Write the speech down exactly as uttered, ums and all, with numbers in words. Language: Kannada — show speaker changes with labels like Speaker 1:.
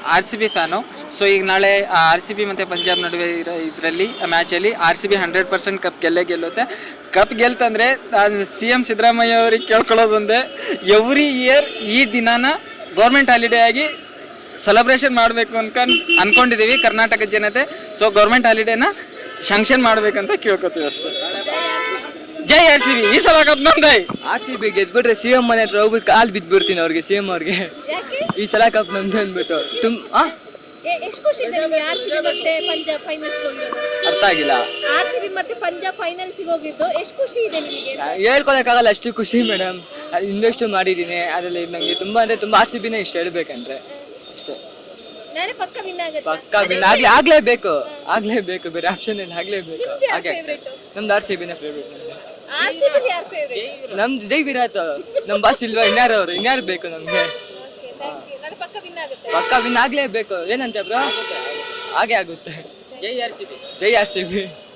Speaker 1: R C B fan. So ಈಗ ನಾಳೆ ಆರ್ ಸಿ ಬಿ ಮತ್ತು ಪಂಜಾಬ್ ನಡುವೆ ಇರೋ ಇದರಲ್ಲಿ ಮ್ಯಾಚಲ್ಲಿ R C B hundred percent cup ಗೆಲ್ಲೇ ಗೆಲ್ಲುತ್ತೆ. ಕಪ್ ಗೆಲ್ತಂದರೆ ಸಿ ಎಮ್ ಸಿದ್ದರಾಮಯ್ಯ ಅವ್ರಿಗೆ ಕೇಳ್ಕೊಳ್ಳೋದು ಒಂದೇ, ಎವ್ರಿ ಇಯರ್ ಈ ದಿನಾನ ಗೌರ್ಮೆಂಟ್ ಹಾಲಿಡೇ ಆಗಿ ಸೆಲೆಬ್ರೇಷನ್ ಮಾಡಬೇಕು ಅನ್ಕೊಂಡು ಅಂದ್ಕೊಂಡಿದ್ದೀವಿ ಕರ್ನಾಟಕದ ಜನತೆ. ಸೊ ಗೌರ್ಮೆಂಟ್ ಹಾಲಿಡೇನ ಶಾಂಕ್ಷನ್ ಮಾಡ್ಬೇಕಂತ ಕೇಳ್ಕೊತೀವಿ ಅಷ್ಟೇ. ಜೈ ಆರ್ ಸಿ ಬಿ. ಈ ಸಲ ಕಪ್ ನಮ್ದೈ.
Speaker 2: ಆರ್ ಸಿ ಬಿ ಗೆದ್ಬಿಟ್ರೆ ಸಿ ಎಂ ಮನೆ ಹತ್ರ ಹೋಗ್ಬಿಟ್ಟು ಕಾಲ್ ಬಿದ್ಬಿಡ್ತೀನಿ ಅವ್ರಿಗೆ, ಸಿ ಎಂ ಅವ್ರಿಗೆ. ಈ ಸಲ ಕಪ್ ನಮ್ದು ಅಂದ್ಬಿಟ್ಟು ತುಂಬ
Speaker 3: ಎಷ್ಟು ಖುಷಿ ಇದೆ ನಿಮಗೆ ಆರ್ಸಿಬಿ ಮತ್ತೆ ಪಂಜಾಬ್ ಫೈನಲ್ಸ್ ಹೋಗಿರೋದು?
Speaker 2: ಅರ್ಥ ಆಗಿಲ್ಲ.
Speaker 3: ಆರ್ಸಿಬಿ ಮತ್ತೆ ಪಂಜಾಬ್ ಫೈನಲ್ಸ್ ಹೋಗಿದ್ದು ಎಷ್ಟು ಖುಷಿ ಇದೆ ನಿಮಗೆ?
Speaker 2: ಹೇಳ್ಕೊಳಕ್ಕಾಗಲ್ಲ, ಅಷ್ಟು ಖುಷಿ ಮೇಡಮ್. ಇನ್ನಷ್ಟು ಮಾಡಿದ್ದೀನಿ ಅದರಲ್ಲಿ. ನನಗೆ ತುಂಬಾ ಅಂದ್ರೆ ತುಂಬಾ ಆರ್ ಸಿ ಬಿನೇ ಇಷ್ಟ ಹೇಳ್ಬೇಕಂದ್ರೆ ಅಷ್ಟೇ.
Speaker 3: ನಾಳೆ ಪಕ್ಕ ವಿನ್ ಆಗುತ್ತೆ.
Speaker 2: ಪಕ್ಕ ವಿನ್ ಆಗ್ಲೇ ಆಗ್ಲೇಬೇಕು ಆಗ್ಲೇಬೇಕು ಬೇರೆ ಆಪ್ಷನ್ ಇಲ್ಲ, ಆಗ್ಲೇಬೇಕು. ಹಾಗೆ ನಮ್ದು ಆರ್ ಸಿ ಬಿನೇ ಫೇವ್ರೇಟ್.
Speaker 3: ಆರ್ಸಿಬಿ ಯಾರ್ ಫೇವರೇಟ್?
Speaker 2: ನಮ್ದು ಜೈ ವಿರಾಟ್. ನಮ್ ಬಾಸ್ ಇಲ್ವಾ, ಇನ್ಯಾರು ಅವರು, ಇನ್ಯಾರು ಬೇಕು ನಮ್ಗೆ?
Speaker 3: ನಾಳೆ ಪಕ್ಕ ವಿನ್ ಆಗುತ್ತೆ.
Speaker 2: ಪಕ್ಕ ವಿನ್ ಆಗ್ಲೇಬೇಕು. ಏನಂತೆ ಬ್ರೋ? ಹಾಗೆ ಆಗುತ್ತೆ.
Speaker 1: ಜೈ ಆರ್ ಸಿ ಬಿ.
Speaker 2: ಜೈ ಆರ್ ಸಿ ಬಿ.